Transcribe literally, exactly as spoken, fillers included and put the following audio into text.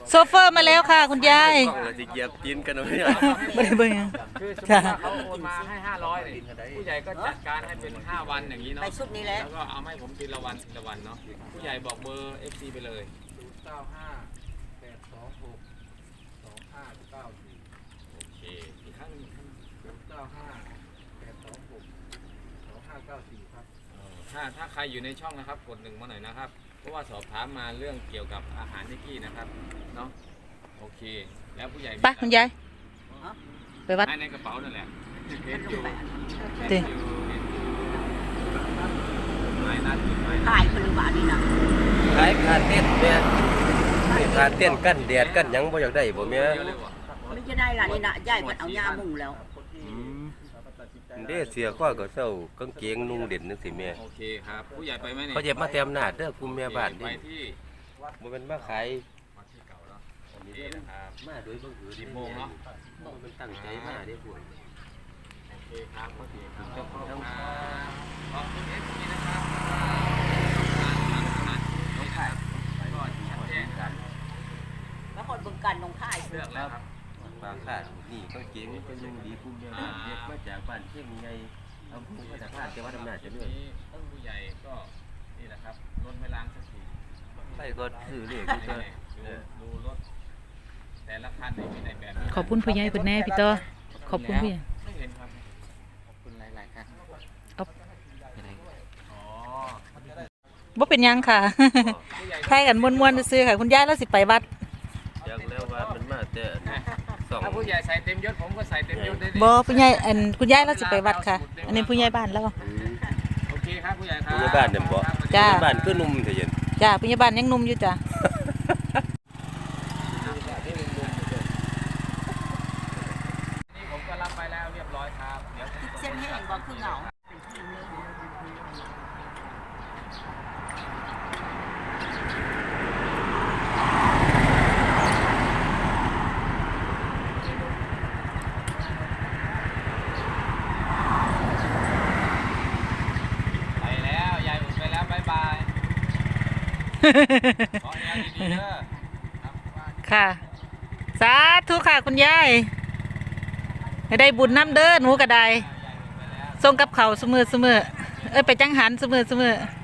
โซเฟอร์มาแล้วค่ะคุณยายกล้องเราจะเหยียบตีนกันเอาไม่ได้ไม่ได้เบิ่งคือสมมติว่าเขาโอนมาให้ห้าร้อยเนี่ยผู้ใหญ่ก็จัดการให้เป็นห้าวันอย่างนี้เนาะไปชุดนี้แล้วแล้วก็เอาให้ผมทีละวันทีละวันเนาะผู้ใหญ่บอกเบอร์ เอฟ ซี ไปเลยศูนย์เก้าห้าแปดสองหกสองห้าเก้าสี่โอเคอีกครั้งหนึงศูนย์เก้าห้าแปดสองหกสองห้าเก้าสี่ครับถ้าถ้าใครอยู่ในช่องนะครับกดหนึ่งมาหน่อยนะครับเพราะว่าสอบถามมาเรื่องเกี่ยวกับอาหารนิกกี้นะครับเนาะโอเคแล้วผู้ใหญ่ไปคุณยายไปวัดให้ในกระเป๋านั่นแหละเห็นอยู่ติเห็นอยู่เห็นอยู่ไม่นัดไม่ขายคนบาทนี่นะขายขาเต้นแม่ขาเต้นกันแดดกันหยังบ่อยากได้บ่แม่เยอะเลยว่ะไม่จะได้ล่ะนี่นะย่ายมันเอายามุ่งแล้วอืมเด้เสียข้อก็เศร้ากางเกงนุ่งเด่นจังซี่แม่โอเคครับผู้ใหญ่ไปไหมเนี่ยเขาเจ็บมาเต็มหน้าเด้อคุมแม่บ้านไปนี่ที่บ่แม่นมาขายวัดที่เก่าเนาะโอเคนะครับมาโดยบังเอิญสิบโมงเนาะมันตั้งใจมาเด้พวกโอเคครับโอเคครับขอบคุณครับขอบคุณเอฟซีนะครับน้องไข่ก็ชัดแจ้งกันแล้วคนบึงกันลงค่ายเลือกแล้วครับบางค่านี่กางเกงเป็นนุ่งดีคุมแม่บ้านเด็กมาจากบ้านเชียงใหญ่อำเภอพระนครจังหวัดอำนาจเจริญนี้ผู้ใหญ่ก็นี่แหละครับรถไม่ล้างสักทีไปก็ซื้อเลขดูก็ดูรถแต่ละคันไม่มีในแบบนี้ขอบคุณผู้ใหญ่เป็นแน่พี่ต่อขอบคุณผู้ใหญ่ไม่เห็นครับขอบคุณหลายๆครับเอาอ๋อบ่เป็นหยังค่ะใครกันม่วนๆซื้อๆค่ะคุณยายแล้วสิไปวัดอยากแล้วว่ามันมาแต่สองถ้าผู้ใหญ่ใส่เต็มยศผมก็ใส่เต็มยศได้ดิบ่ผู้ใหญ่อันคุณยายแล้วสิไปวัดค่ะ อันนี้ผู้ใหญ่บ้านแล้วโอเคครับผู้ใหญ่ครับผู้ใหญ่บ้านเนี่ยบ่จ้าบ้านคือนุ่มเถอะเย็นจ้าผู้ใหญ่บ้านยังหนุ่มอยู่จ้ะนี่ผมก็รับไปแล้วเรียบร้อยครับเดี๋ยวผมเส้นแห้งก็คือเหงาไปแล้วยายอุ่นไปแล้วบ๊ายบายขอให้ยายดีๆเด้อครับค่ะ สาธุค่ะคุณยายให้ได้บุญน้ำเด้อหนูก็ได้ส่งกับเขาวเสมอเสมอเอ้ยไปจังหันเสมอเสมอ